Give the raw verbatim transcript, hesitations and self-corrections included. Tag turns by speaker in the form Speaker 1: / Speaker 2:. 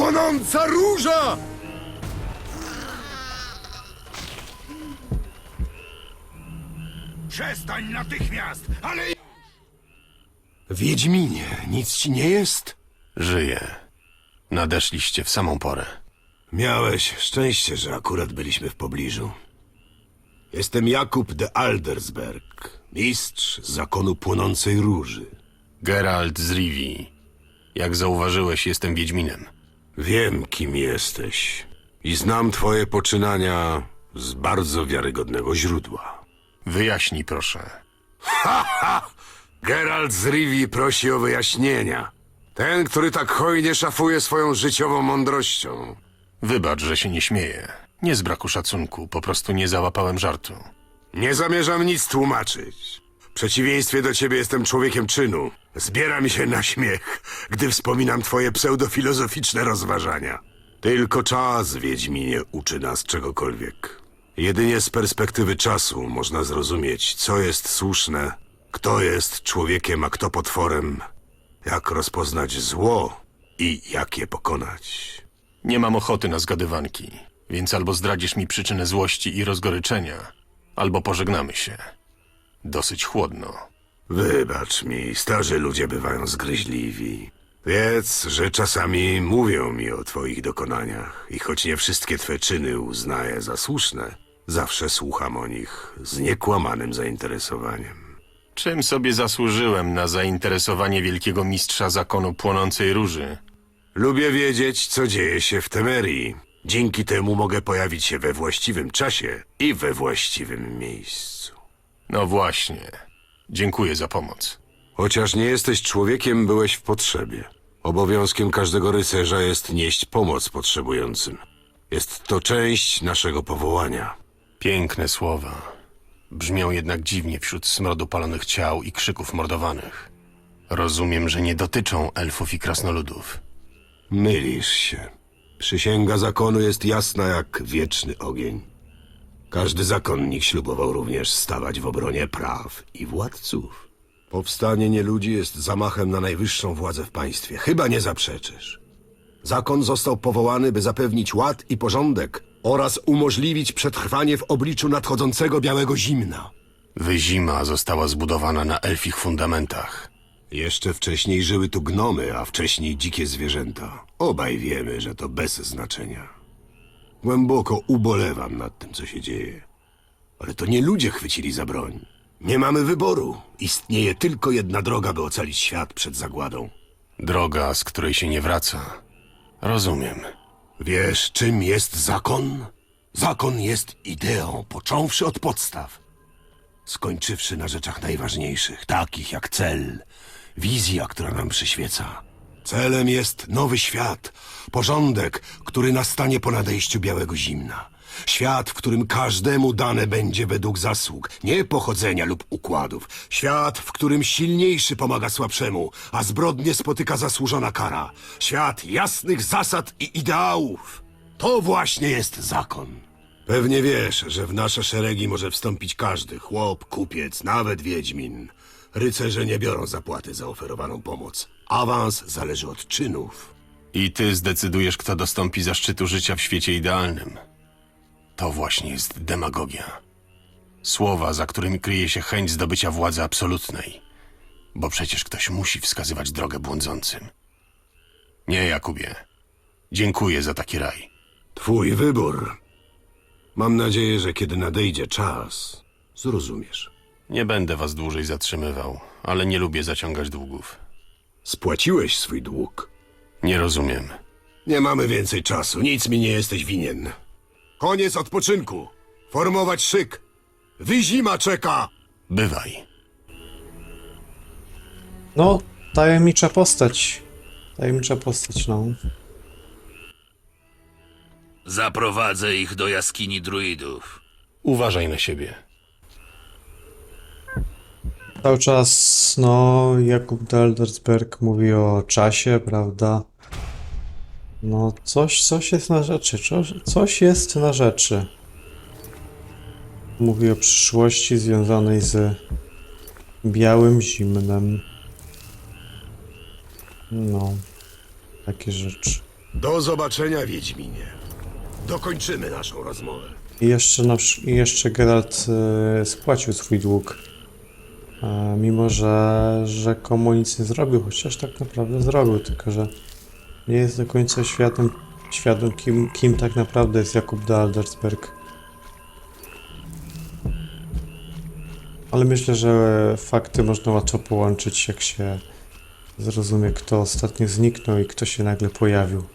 Speaker 1: Płonąca róża!
Speaker 2: Przestań natychmiast, ale...
Speaker 1: Wiedźminie, nic ci nie jest?
Speaker 3: Żyję. Nadeszliście w samą porę.
Speaker 1: Miałeś szczęście, że akurat byliśmy w pobliżu. Jestem Jakub de Aldersberg, mistrz zakonu Płonącej Róży.
Speaker 3: Geralt z Rivii. Jak zauważyłeś, jestem Wiedźminem.
Speaker 1: Wiem, kim jesteś i znam twoje poczynania z bardzo wiarygodnego źródła.
Speaker 3: Wyjaśnij, proszę.
Speaker 1: Geralt z Rivii prosi o wyjaśnienia. Ten, który tak hojnie szafuje swoją życiową mądrością.
Speaker 3: Wybacz, że się nie śmieję. Nie z braku szacunku, po prostu nie załapałem żartu.
Speaker 1: Nie zamierzam nic tłumaczyć. W przeciwieństwie do ciebie jestem człowiekiem czynu. Zbiera mi się na śmiech, gdy wspominam twoje pseudofilozoficzne rozważania. Tylko czas, Wiedźminie, uczy nas czegokolwiek. Jedynie z perspektywy czasu można zrozumieć, co jest słuszne, kto jest człowiekiem, a kto potworem, jak rozpoznać zło i jak je pokonać.
Speaker 3: Nie mam ochoty na zgadywanki, więc albo zdradzisz mi przyczynę złości i rozgoryczenia, albo pożegnamy się. Dosyć chłodno.
Speaker 1: Wybacz mi, starzy ludzie bywają zgryźliwi. Wiedz, że czasami mówią mi o twoich dokonaniach i choć nie wszystkie twe czyny uznaję za słuszne, zawsze słucham o nich z niekłamanym zainteresowaniem.
Speaker 3: Czym sobie zasłużyłem na zainteresowanie wielkiego mistrza zakonu Płonącej Róży?
Speaker 1: Lubię wiedzieć, co dzieje się w Temerii. Dzięki temu mogę pojawić się we właściwym czasie i we właściwym miejscu.
Speaker 3: No właśnie. Dziękuję za pomoc.
Speaker 1: Chociaż nie jesteś człowiekiem, byłeś w potrzebie. Obowiązkiem każdego rycerza jest nieść pomoc potrzebującym. Jest to część naszego powołania.
Speaker 3: Piękne słowa. Brzmią jednak dziwnie wśród smrodu palonych ciał i krzyków mordowanych. Rozumiem, że nie dotyczą elfów i krasnoludów.
Speaker 1: Mylisz się. Przysięga zakonu jest jasna jak wieczny ogień. Każdy zakonnik ślubował również stawać w obronie praw i władców. Powstanie nieludzi jest zamachem na najwyższą władzę w państwie. Chyba nie zaprzeczysz. Zakon został powołany, by zapewnić ład i porządek oraz umożliwić przetrwanie w obliczu nadchodzącego białego zimna.
Speaker 3: Wyzima została zbudowana na elfich fundamentach.
Speaker 1: Jeszcze wcześniej żyły tu gnomy, a wcześniej dzikie zwierzęta. Obaj wiemy, że to bez znaczenia. Głęboko ubolewam nad tym, co się dzieje. Ale to nie ludzie chwycili za broń. Nie mamy wyboru. Istnieje tylko jedna droga, by ocalić świat przed zagładą.
Speaker 3: Droga, z której się nie wraca. Rozumiem.
Speaker 1: Wiesz, czym jest zakon? Zakon jest ideą, począwszy od podstaw. Skończywszy na rzeczach najważniejszych, takich jak cel, wizja, która nam przyświeca. Celem jest nowy świat, porządek, który nastanie po nadejściu białego zimna. Świat, w którym każdemu dane będzie według zasług, nie pochodzenia lub układów. Świat, w którym silniejszy pomaga słabszemu, a zbrodnie spotyka zasłużona kara. Świat jasnych zasad i ideałów. To właśnie jest zakon. Pewnie wiesz, że w nasze szeregi może wstąpić każdy, chłop, kupiec, nawet wiedźmin. Rycerze nie biorą zapłaty za oferowaną pomoc. Awans zależy od czynów.
Speaker 3: I ty zdecydujesz, kto dostąpi zaszczytu życia w świecie idealnym. To właśnie jest demagogia. Słowa, za którymi kryje się chęć zdobycia władzy absolutnej. Bo przecież ktoś musi wskazywać drogę błądzącym. Nie, Jakubie. Dziękuję za taki raj.
Speaker 1: Twój wybór. Mam nadzieję, że kiedy nadejdzie czas, zrozumiesz.
Speaker 3: Nie będę was dłużej zatrzymywał, ale nie lubię zaciągać długów.
Speaker 1: Spłaciłeś swój dług.
Speaker 3: Nie rozumiem.
Speaker 1: Nie mamy więcej czasu, nic mi nie jesteś winien. Koniec odpoczynku. Formować szyk. Wyzima czeka!
Speaker 3: Bywaj.
Speaker 4: No, tajemnicza postać. Tajemnicza postać, no.
Speaker 2: Zaprowadzę ich do jaskini druidów.
Speaker 3: Uważaj na siebie.
Speaker 4: Cały czas, no, Jakub de Aldersberg mówi o czasie, prawda? No, coś, coś jest na rzeczy, coś, coś jest na rzeczy. Mówi o przyszłości związanej z białym zimnem. No, takie rzeczy.
Speaker 1: Do zobaczenia, Wiedźminie. Dokończymy naszą rozmowę.
Speaker 4: I jeszcze, na, przy- i jeszcze Geralt y, spłacił swój dług. E, mimo, że rzekomo nic nie zrobił, chociaż tak naprawdę zrobił, tylko że nie jest do końca świadom, świadom kim, kim tak naprawdę jest Jakub de Aldersberg. Ale myślę, że fakty można łatwo połączyć, jak się zrozumie, kto ostatnio zniknął i kto się nagle pojawił.